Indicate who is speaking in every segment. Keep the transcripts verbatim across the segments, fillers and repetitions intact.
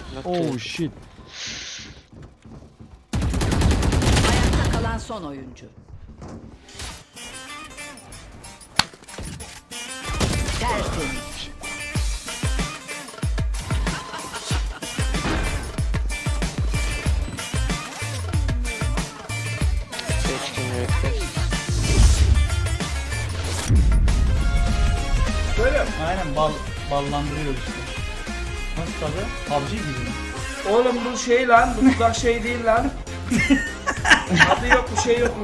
Speaker 1: Oh shit.
Speaker 2: Ayakta kalan son oyuncu. Tertemiz.
Speaker 3: Böyle mi?
Speaker 4: Aynen bal ballandırıyor işte. Nasıl tadı? P U B G gibi mi?
Speaker 3: Oğlum bu şey lan, bu dudak şey değil lan. Adı yok, bu şey yok mu?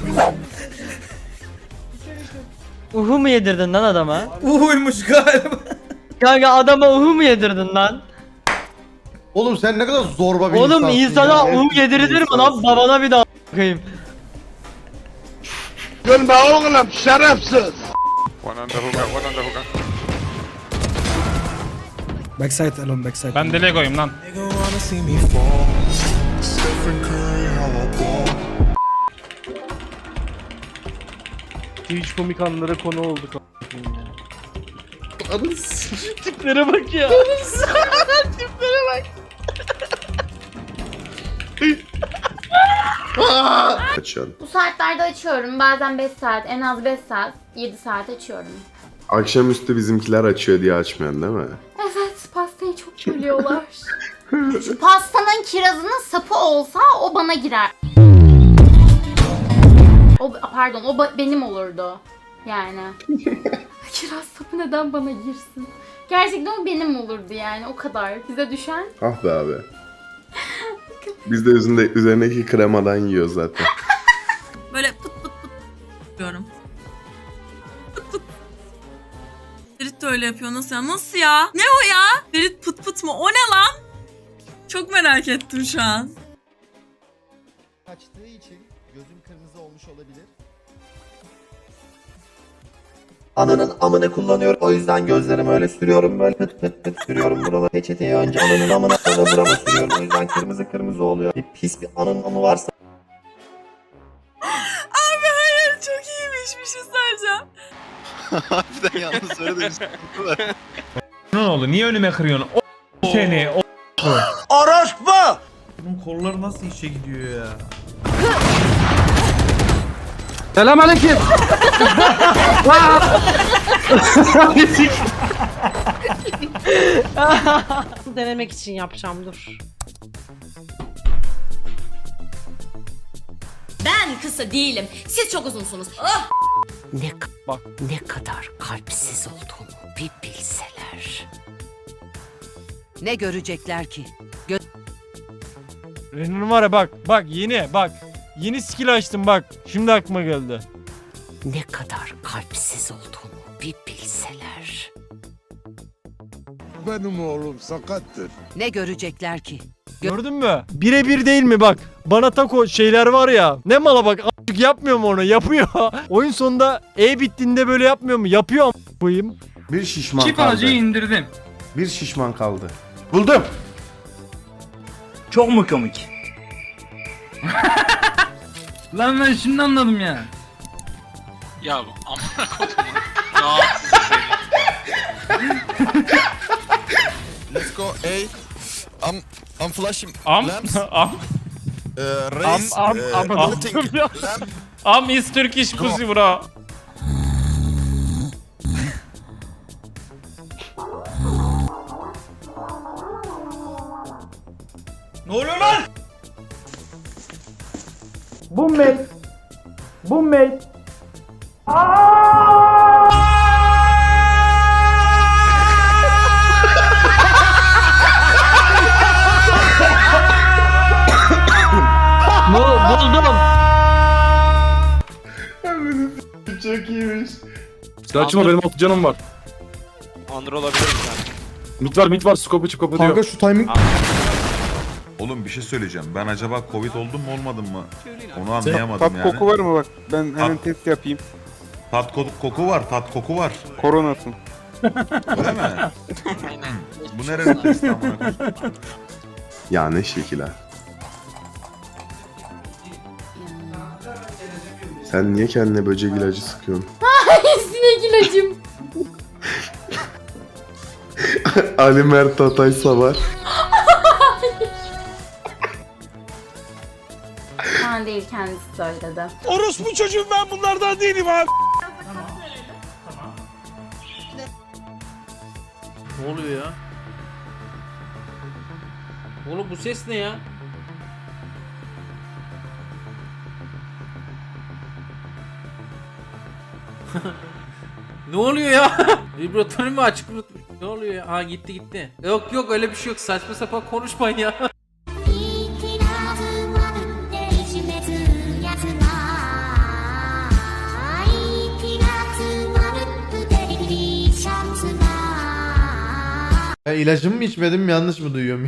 Speaker 1: Uhu mu yedirdin lan adama?
Speaker 5: Uhuymuş galiba.
Speaker 1: Kanka adama uhu mu yedirdin lan?
Speaker 6: Oğlum sen ne kadar zorba bir
Speaker 1: Oğlum
Speaker 6: insansın
Speaker 1: insana
Speaker 6: ya.
Speaker 1: uhu yedirilir mi lan? Babana bir daha bakayım.
Speaker 7: Gülme oğlum şerefsiz.
Speaker 5: Backside alone backside.
Speaker 8: Ben de Lego'yum lan.
Speaker 4: Twitch komik anlara konu olduk.
Speaker 1: Tiplere bak ya.
Speaker 9: Açıyorum.
Speaker 10: Bu saatlerde açıyorum. Bazen beş saat, en az beş saat, yedi saat açıyorum.
Speaker 9: Akşamüstü bizimkiler açıyor diye açmıyorsun değil mi?
Speaker 10: Evet, pastayı çok bölüyorlar. Şu pastanın kirazının sapı olsa o bana girer. O, pardon, o ba- benim olurdu. Yani. Kiraz sapı neden bana girsin? Gerçekten o benim olurdu yani, o kadar. Bize düşen.
Speaker 9: Ah be abi. Biz de üzerinde, üzerindeki kremadan yiyoruz zaten.
Speaker 11: Böyle pıt pıt pıt diyorum. Pıt pıt. Ferit de öyle yapıyor. Nasıl ya? Nasıl ya? Ne o ya? Ferit pıt pıt mı? O ne lan? Çok merak ettim şu an.
Speaker 6: Kaçtığı için gözüm kırmızı olmuş olabilir. Ananın amını kullanıyorum. O yüzden gözlerimi öyle sürüyorum. Böyle pıt pıt pıt sürüyorum buralara. Peçeteyi önce ananın amına sonra burama sürüyorum. O yüzden kırmızı kırmızı oluyor. Bir pis bir anın amı varsa.
Speaker 11: Abi hayır, çok iyiymiş, bir şey söyleyeceğim.
Speaker 7: Harbiden yalnız öyle de bir sıkıntı var.
Speaker 8: Ne oldu? Niye önüme kırıyorsun? O seni. O
Speaker 5: Orospu! Bunun kolları nasıl işe gidiyor ya?
Speaker 1: Selamünaleyküm.
Speaker 2: Denemek için yapacağım, dur.
Speaker 11: Ben kısa değilim. Siz çok uzunsunuz. Oh!
Speaker 2: Ne bak ne kadar kalpsiz olduğunu bir bilseler. Ne görecekler ki?
Speaker 1: Ren'in var ya bak bak yeni bak. Yeni skill açtım bak. Şimdi aklıma geldi.
Speaker 2: Ne kadar kalpsiz olduğunu bir bilseler.
Speaker 7: Benim oğlum sakattır.
Speaker 2: Ne görecekler ki?
Speaker 1: Gördün mü? Birebir değil mi bak. Bana tako şeyler var ya. Ne mala bak. A**lık yapmıyor mu onu? Yapıyor. Oyun sonunda E bittiğinde böyle yapmıyor mu? Yapıyor a**lık koyayım.
Speaker 9: Bir şişman
Speaker 8: çift
Speaker 9: kaldı.
Speaker 8: acıyı indirdim.
Speaker 9: Bir şişman kaldı. Buldum.
Speaker 4: Çok mu komik?
Speaker 8: Lan ben şimdi anladım ya.
Speaker 7: Ya amına kodum. Rahatsız seni.
Speaker 6: Let's go A. I'm, I'm flashing
Speaker 8: Am
Speaker 6: lamps.
Speaker 8: am
Speaker 6: Uh,
Speaker 8: am
Speaker 6: raise,
Speaker 8: am
Speaker 6: uh,
Speaker 8: am
Speaker 6: looting lamp.
Speaker 8: am is Turkish pussy bro.
Speaker 5: Ne oluyor lan?
Speaker 3: Bu mate. Bu mate.
Speaker 1: Bu buldum.
Speaker 9: Çok iyiymiş.
Speaker 8: Açma benim altı canım var.
Speaker 7: Andır olabilir yani.
Speaker 8: Mit var mit var scope çıp kapatıyor.
Speaker 6: Kanka şu timing.
Speaker 7: Oğlum bir şey söyleyeceğim. Ben acaba Covid oldum mu olmadım mı? Onu anlayamadım yani.
Speaker 5: var mı bak? Ben
Speaker 7: hemen
Speaker 5: test yapayım.
Speaker 7: Tat ko- koku var, tat koku var.
Speaker 5: Koronasın.
Speaker 7: Öyle mi? Bu nerenin testi amına koyayım?
Speaker 9: Ya ne şekil ha. Sen niye kendine böcek ilacı sıkıyorsun?
Speaker 10: Sinek ilacım.
Speaker 9: Ali Mert Atay Savar.
Speaker 10: ben değil, kendisi söyledi.
Speaker 5: Orospu çocuğum ben bunlardan değilim abi.
Speaker 4: Ne oluyor ya? Oğlum bu ses ne ya? Ne oluyor ya? Vibratörü mü açık unutmuş? Ne oluyor ya? Ha gitti gitti. Yok yok öyle bir şey yok. Saçma sapan konuşmayın ya.
Speaker 5: Ya ilacımı mı içmedim yanlış mı duyuyorum?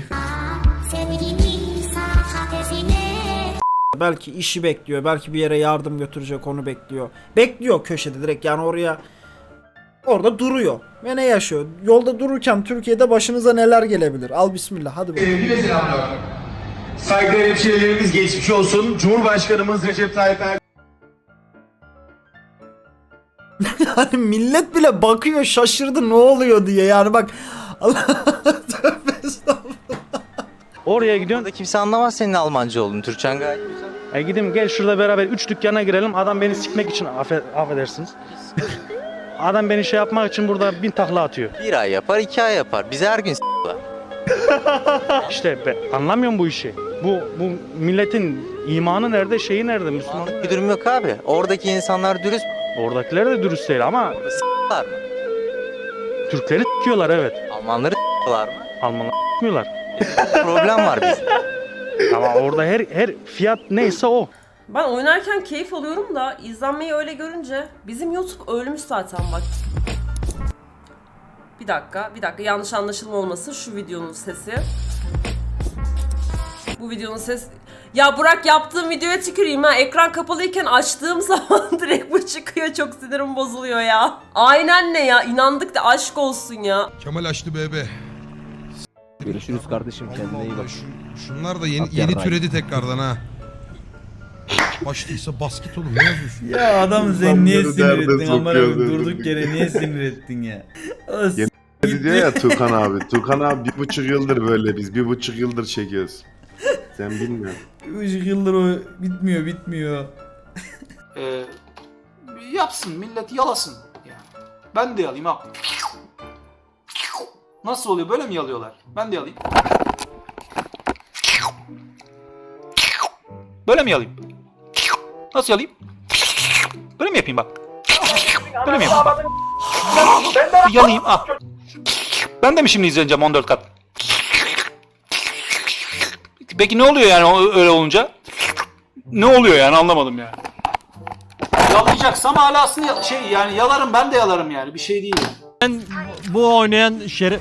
Speaker 3: Belki işi bekliyor, belki bir yere yardım götürecek onu bekliyor. Bekliyor köşede direkt, yani oraya orada duruyor. Ve ne yaşıyor? Yolda dururken Türkiye'de başınıza neler gelebilir? Al bismillah hadi bakalım.
Speaker 5: Sevgili selamlar. Saygıdeğer hemşehrilerimiz geçmiş olsun. Cumhurbaşkanımız Recep Tayyip Erdoğan.
Speaker 3: Yani millet bile bakıyor, şaşırdı ne oluyor diye, yani bak. Allah tövbe estağfurullah.
Speaker 4: Oraya gidiyorsun.
Speaker 3: Burada kimse anlamaz senin Almanca olduğunu. Türkçen gayet güzel.
Speaker 4: E gideyim gel şurada beraber üç dükkana girelim. Adam beni sikmek için affe, affedersiniz. Adam beni şey yapmak için burada bin takla atıyor.
Speaker 3: Bir ay yapar, iki ay yapar. Bize her gün s**lar.
Speaker 4: İşte be, anlamıyorum bu işi. Bu bu milletin imanı nerede, şeyi nerede, Müslümanlık
Speaker 3: Bir durum yok abi. Oradaki insanlar dürüst
Speaker 4: Oradakiler de dürüst değil ama
Speaker 3: s**lar mı?
Speaker 4: Türkleri s**yorlar evet.
Speaker 3: Almanları s**lar mı?
Speaker 4: Almanlar s**miyorlar.
Speaker 3: Problem var bizde.
Speaker 4: Ama orada her her fiyat neyse o.
Speaker 11: Ben oynarken keyif alıyorum da izlenmeyi öyle görünce bizim YouTube ölmüş zaten bak. Bir dakika, bir dakika yanlış anlaşılma olmasın şu videonun sesi. Bu videonun ses... Ya Burak yaptığım videoya tüküreyim ha. Ekran kapalıyken açtığım zaman direkt bu çıkıyor. Çok sinirim bozuluyor ya. Aynen ne ya? İnandık da aşk olsun ya.
Speaker 5: Kemal açtı bebe.
Speaker 3: Görüşürüz kardeşim, kendine iyi bak.
Speaker 5: Şunlar da yeni, yeni türedi tekrardan ha. Başlıysa basket oğlum ne yazıyorsun?
Speaker 8: Ya adam sen niye
Speaker 9: İnsanları
Speaker 8: sinir
Speaker 9: derde
Speaker 8: ettin amına
Speaker 9: sokuyor
Speaker 8: koyayım,
Speaker 9: zaten.
Speaker 8: durduk yere niye sinir ettin ya?
Speaker 9: Yeni diyor ya Tukan abi. Tukan abi bir buçuk yıldır böyle biz. Bir buçuk yıldır çekiyoruz. Sen bilmiyorsun.
Speaker 8: Üç yıldır o bitmiyor bitmiyor.
Speaker 5: Ee, yapsın millet yalasın. Yani. Ben de yalayayım ha. Nasıl oluyor böyle mi yalıyorlar? Ben de yalayayım. Böyle mi yalayayım? Nasıl yalayayım? Böyle mi yapayım bak? Böyle mi yapayım bak? Ben de yalayayım ah. Ben de mi şimdi izleyeceğim on dört kat? Peki ne oluyor yani öyle olunca? Ne oluyor yani anlamadım yani. Yalayacaksam alasını şey yani yalarım ben de yalarım yani bir şey değil.
Speaker 1: Ben bu oynayan şeref...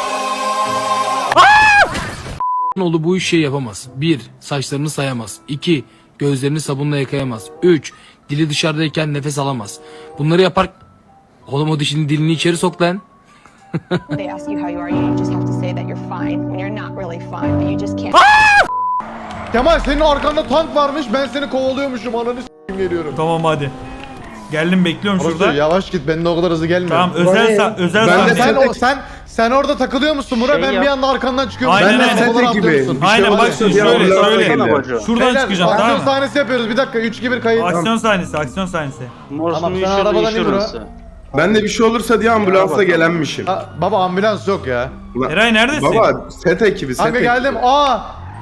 Speaker 4: Oğlu bu işi yapamaz. bir. Saçlarını sayamaz. iki. Gözlerini sabunla yıkayamaz. üç. Dili dışarıdayken nefes alamaz. Bunları yapar... Oğlum o dişini dilini içeri sok lan.
Speaker 10: They ask you how you are, you just have to say that you're fine when you're not really fine, but you just can't.
Speaker 5: Kemal senin arkanda tank varmış ben seni kovalıyormuşum ananı s**eyim geliyorum.
Speaker 8: Tamam hadi. Geldim bekliyorum
Speaker 5: Orası
Speaker 8: şurada.
Speaker 5: yavaş git ben de o kadar hızlı gelmiyorum.
Speaker 8: Tamam özel sa özel
Speaker 5: Ben de
Speaker 8: sahne.
Speaker 5: sen, o, sen sen orada takılıyor musun Murat? Ben bir anda arkandan çıkıyorum.
Speaker 8: Aynen,
Speaker 5: ben de
Speaker 8: aynen.
Speaker 5: set
Speaker 9: ekibiyim.
Speaker 8: Aynen bak şimdi şöyle şöyle. Şuradan
Speaker 5: Beyler,
Speaker 8: çıkacağım
Speaker 5: aksiyon
Speaker 8: tamam mı?
Speaker 5: sahnesi yapıyoruz bir dakika üç iki bir kayıt.
Speaker 8: Aksiyon sahnesi aksiyon sahnesi.
Speaker 5: Tamam sen arabadan in Murat.
Speaker 9: Ben de bir şey olursa diye ambulansla gelenmişim.
Speaker 5: Ha, baba ambulans yok ya.
Speaker 9: Ulan-
Speaker 8: Eray neredesin?
Speaker 9: Baba set ekibi set
Speaker 5: Kanka
Speaker 9: ekibi.
Speaker 5: geldim aa.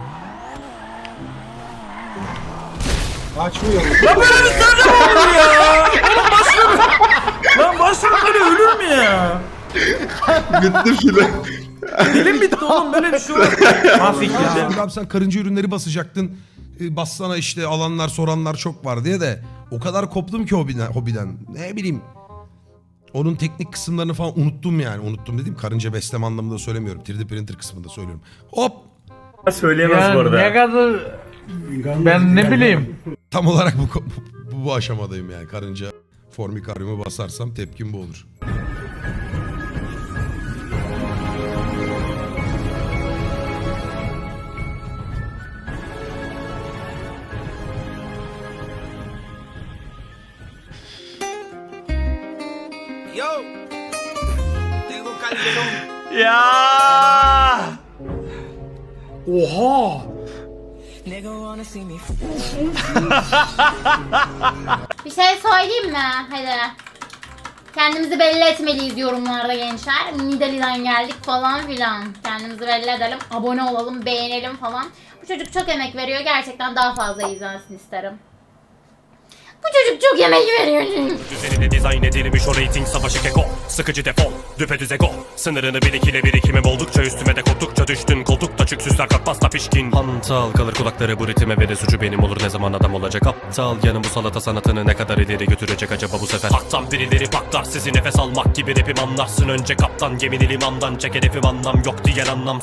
Speaker 8: Lan başım böyle ölür mü ya?
Speaker 9: Bitti filan.
Speaker 8: Dilim bitti oğlum böyle bir şey olur. Mahvettim.
Speaker 5: Abi sen karınca ürünleri basacaktın. E, Bassana işte alanlar soranlar çok var diye de. O kadar koptum ki hobiden. hobiden. Ne bileyim. Onun teknik kısımlarını falan unuttum yani. Unuttum dediğim karınca besleme anlamında söylemiyorum. üç D printer kısmında söylüyorum. Hop.
Speaker 8: Söyleyemez bu arada. Ne kadar ben ne bileyim.
Speaker 5: Tam olarak bu, bu, bu aşamadayım yani. Karınca formikaryumu basarsam tepkim bu olur.
Speaker 1: Ya!
Speaker 5: Oha!
Speaker 10: Bir şey söyleyeyim mi? Hadi. Kendimizi belli etmeliyiz yorumlarda gençler. Nidalee'den geldik falan filan. Kendimizi belli edelim. Abone olalım, beğenelim falan. Bu çocuk çok emek veriyor. Gerçekten daha fazla izlensin isterim. Bu çocuk çok emek veriyor.
Speaker 12: Üzerine dizayn edilmiş o rating savaşı keko. Sıkıcı defol, düpedüz ego. Sınırını bil ikile birikimim oldukça üstüme de korktukça düştün. Koltukta çüksüzler kalk pasta pişkin. Hantal kalır kulakları bu ritime ve de suçu benim olur ne zaman adam olacak aptal. Yanım bu salata sanatını ne kadar ileri götürecek acaba bu sefer. Haktan birileri paklar sizi nefes almak gibi rapim anlarsın önce kaptan. Gemini limandan çek hedefim anlam yok diyen anlamsız.